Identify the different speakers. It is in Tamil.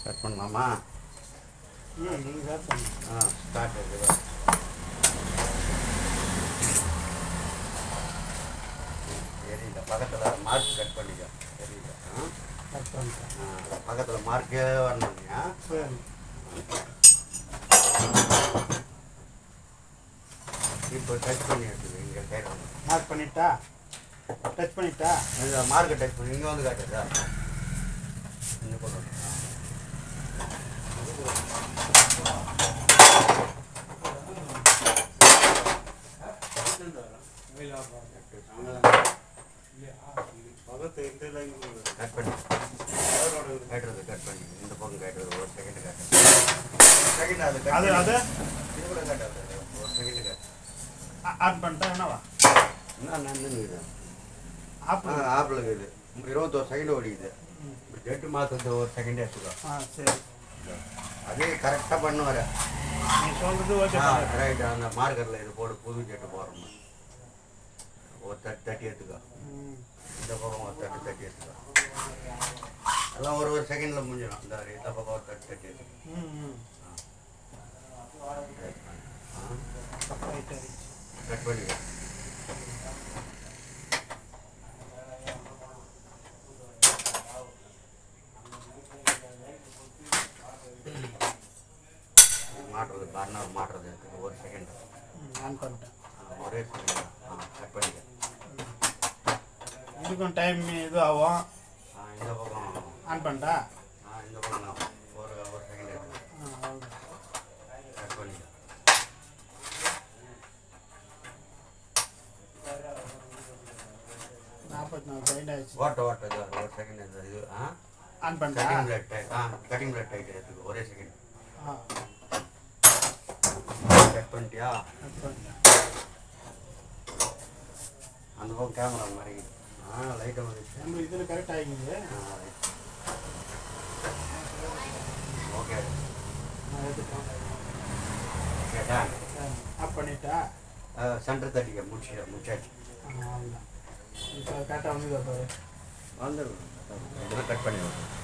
Speaker 1: கட் பண்ணலாமா?
Speaker 2: நீங்கள் ஸ்டார்ட் பண்ணுங்க.
Speaker 1: ஸ்டார்ட் இருக்குது. தெரியல, பக்கத்தில் மார்க் கட் பண்ணிக்க. தெரியல.
Speaker 2: கட் பண்ணிட்டேன்.
Speaker 1: பக்கத்தில் மார்க்கே வரணுங்க.
Speaker 2: சரி.
Speaker 1: இப்போ டச் பண்ணி எடுத்துது இங்கே கேட்கணும்.
Speaker 2: மார்க் பண்ணிட்டா? டச் பண்ணிட்டா?
Speaker 1: இந்த மார்க்கை டச் பண்ணி இங்கே வந்து காட்டுதா? இங்கே போடணும். கட் பண்ணி கேட்டுறது, கட் பண்ணி இந்த பக்கம் கேட்டுறது. ஒரு செகண்ட் காட்டுறது. செகண்ட் அது
Speaker 2: அது அது
Speaker 1: இது கூட காட்டாது. ஒரு செகண்ட் காட்டு.
Speaker 2: ஆன் பண்ணிட்டா என்னவா?
Speaker 1: என்ன நன்னுங்குது?
Speaker 2: ஆப்பிள்.
Speaker 1: ஆப்பிள் இருக்குது. 21 செகண்ட் ஓடிக்குது. ஜெட்டு மாதத்து ஒரு செகண்ட் எடுத்துக்கோ.
Speaker 2: சரி.
Speaker 1: அதே கரெக்டாக பண்ணுவார்.
Speaker 2: நீ சொல்கிறது ஓகே.
Speaker 1: ரைட்டு. அந்த மார்க்கரில் இது போட்டு புது ஜெட்டு போடுறோம். ஒரு தட்டி எடுத்துக்கோ. இந்த பக்கம் ஒரு தட்டி எடுத்துக்கோ. எல்லாம் ஒரு செகண்டில் முடிஞ்சிடும். இந்த பக்கம் ஒரு தட்டி எடுத்துக்கோ. கட் பண்ணிக்கோ. மாட்டுறது பர்னர் மாட்டுறது ஒரு செகண்ட்.
Speaker 2: ஆன் பண்ணிட்டேன்.
Speaker 1: ஒரே செகண்ட். கட் பண்ணிக்க.
Speaker 2: இதுக்கும் டைம் இது ஆகும்.
Speaker 1: இந்த பக்கம்
Speaker 2: ஆன் பண்ணிட்டா?
Speaker 1: இந்த பக்கம் ஒரு செகண்ட் எடுத்து கட் பண்ணிக்க.
Speaker 2: 44 செகண்ட் ஆயிடுச்சு.
Speaker 1: ஓட்ட இது ஒரு செகண்ட். இந்த இது
Speaker 2: ஆன் பண்ணிட்டா?
Speaker 1: கட்டிங் பிளட் டைட் எடுத்துக்கோ. ஒரே செகண்ட். கட் பண்ணிட்டியா?
Speaker 2: கட் பண்ணிட்டேன்.
Speaker 1: அந்த பக்கம் கேமரா மாதிரி லைட்டாக வந்துச்சு.
Speaker 2: நம்ம இதில் கரெக்ட் ஆகிக்குது.
Speaker 1: ஓகே.
Speaker 2: நான் எடுத்துட்டேன்.
Speaker 1: கேட்டா
Speaker 2: ஆஃப் பண்ணிட்டா?
Speaker 1: சென்டர் தட்டிக்க. முடிச்சாச்சு.
Speaker 2: அவ்வளோதான். இப்போ கரெக்டாக வந்து பாரு.
Speaker 1: வந்துடும். இதெல்லாம் கட் பண்ணி